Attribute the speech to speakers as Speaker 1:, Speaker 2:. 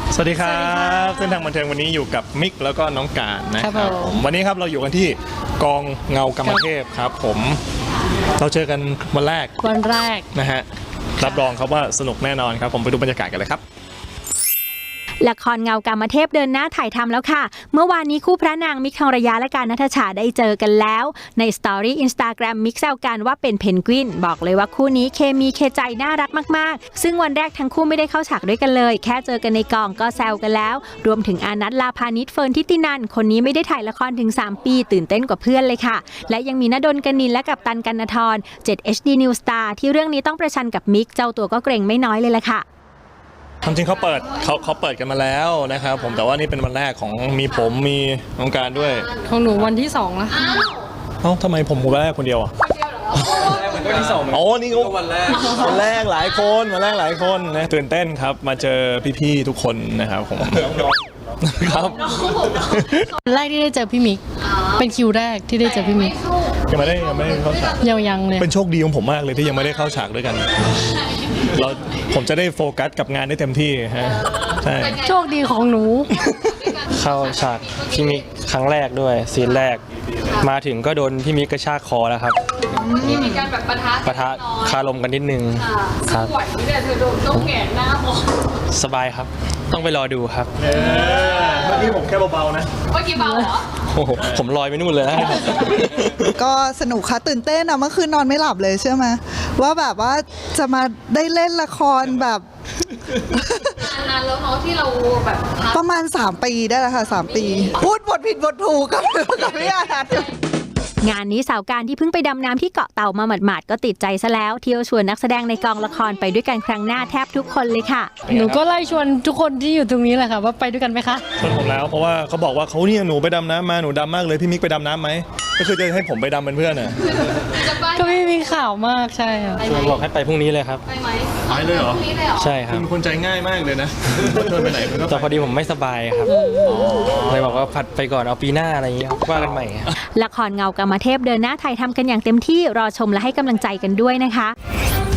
Speaker 1: สวัสดีครับเส้นทางบันเทิงวันนี้อยู่กับมิกแล้วก็น้องการนะครับผมวันนี้ครับเราอยู่กันที่กองเงากรรมเทพครับผมเราเจอกันวันแรกนะฮะรับรองครับว่าสนุกแน่นอนครับผมไปดูบรรยากาศกันเลยครับ
Speaker 2: ละครเงากามเทพเดินหน้าถ่ายทำแล้วค่ะเมื่อวานนี้คู่พระนางมิกทองระยะและการณัฐฉาได้เจอกันแล้วในสตอรี่ Instagram มิกแซวกันว่าเป็นเพนกวินบอกเลยว่าคู่นี้เคมีเคใจน่ารักมากๆซึ่งวันแรกทั้งคู่ไม่ได้เข้าฉากด้วยกันเลยแค่เจอกันในกองก็แซวกันแล้วรวมถึงอานัท ลาพานิช เฟิร์นทิตินันคนนี้ไม่ได้ถ่ายละครถึง3ปีตื่นเต้นกว่าเพื่อนเลยค่ะและยังมีณดล กนินและกัปตัน กนธร 7HD New Star ที่เรื่องนี้ต้องประชันกับมิกเจ้าตัวก็เกรงไม่น้อยเลยล่ะค่ะ
Speaker 1: จริงเขาเปิดกันมาแล้วนะครับผมแต่ว่านี่เป็นวันแรกของมีผมมีน้องการด้วย
Speaker 3: ของหนูวันที่2แล้ว
Speaker 1: ทำไมผมวันแรกคนเดียวอ่ะวันที่2อ๋อนี่ก็วันแรกหลายคนนะตื่นเต้นครับมาเจอพี่ๆทุกคนนะครับผมครับ
Speaker 3: แรกที่ได้เจอพี่มิกเป็นคิวแรกที่ได้เจอพี่มิก
Speaker 1: ยังไม่ได้เข้าฉาก
Speaker 3: ยังเลย
Speaker 1: เป็นโชคดีของผมมากเลยที่ยังไม่ได้เข้าฉากด้วยกันผมจะได้โฟกัสกับงานได้เต็มที่ฮะใช่
Speaker 3: โชคดีของหนู
Speaker 4: เข้าฉากพี่มิกครั้งแรกด้วยซีนแรกมาถึงก็โดนพี่มิกกระชากคอแล้วครับ
Speaker 5: มีการแบบปะทะ
Speaker 4: คารมกันนิดนึงครับ
Speaker 5: ไหวไหมเนี่ยเธอโดนต้องแหงหน้ามอง
Speaker 4: สบายครับต้องไปรอดูครับ
Speaker 1: เมื่อกี้ผมแค่เบาๆนะ
Speaker 5: เมื่อกี้เบาเหรอ
Speaker 4: โอ้โหผมลอยไปนู่นเลยนะ
Speaker 6: ก็สนุกค่ะตื่นเต้นอะเมื่อคืนนอนไม่หลับเลยเชื่อไหมว่าแบบว่าจะมาได้เล่นละครแบบ
Speaker 5: นานแล้วเนาะที่เราแบบ
Speaker 6: ประมาณ3 ปีได้แล้วค่ะ3 ปีพูดบทผิดบทถูกกับพี่อาร์ต
Speaker 2: งานนี้สาวการที่เพิ่งไปดำน้ำที่เกาะเต่ามาหมาดๆก็ติดใจซะแล้วเที่ยวชวนนักแสดงในกองละครไปด้วยกันครั้งหน้าแทบทุกคนเลยค่ะ
Speaker 3: หนูก็ไล่ชวนทุกคนที่อยู่ตรงนี้แหละค่ะว่าไปด้วยกันไหมคะ
Speaker 1: ชวนผมแล้วเพราะว่าเขาบอกว่าเขาเนี่ยหนูไปดำน้ำมาหนูดำมากเลยพี่มิกไปดำน้ำไหมก็คือจะให้ผมไปดำเป็นเพื่อนน่ะ
Speaker 3: ก็ไม่มีข่าวมากใช่ค่ะ
Speaker 4: ชวนบอกให้ไปพรุ่งนี้เลยครับ
Speaker 5: ไปไหม
Speaker 1: ไปเลยเหรอ
Speaker 4: ใช่ครับ
Speaker 1: เป็นคนใจง่ายมากเลยนะชวนไปไหน
Speaker 4: แต่พอดีผมไม่สบายครับเลยบอกว่าผัดไปก่อนเอาปีหน้าอะไรอย่างเงี้ยว่ากันใหม่
Speaker 2: ละครเงากามเทพเดินหน้าถ่ายทำกันอย่างเต็มที่รอชมและให้กำลังใจกันด้วยนะคะ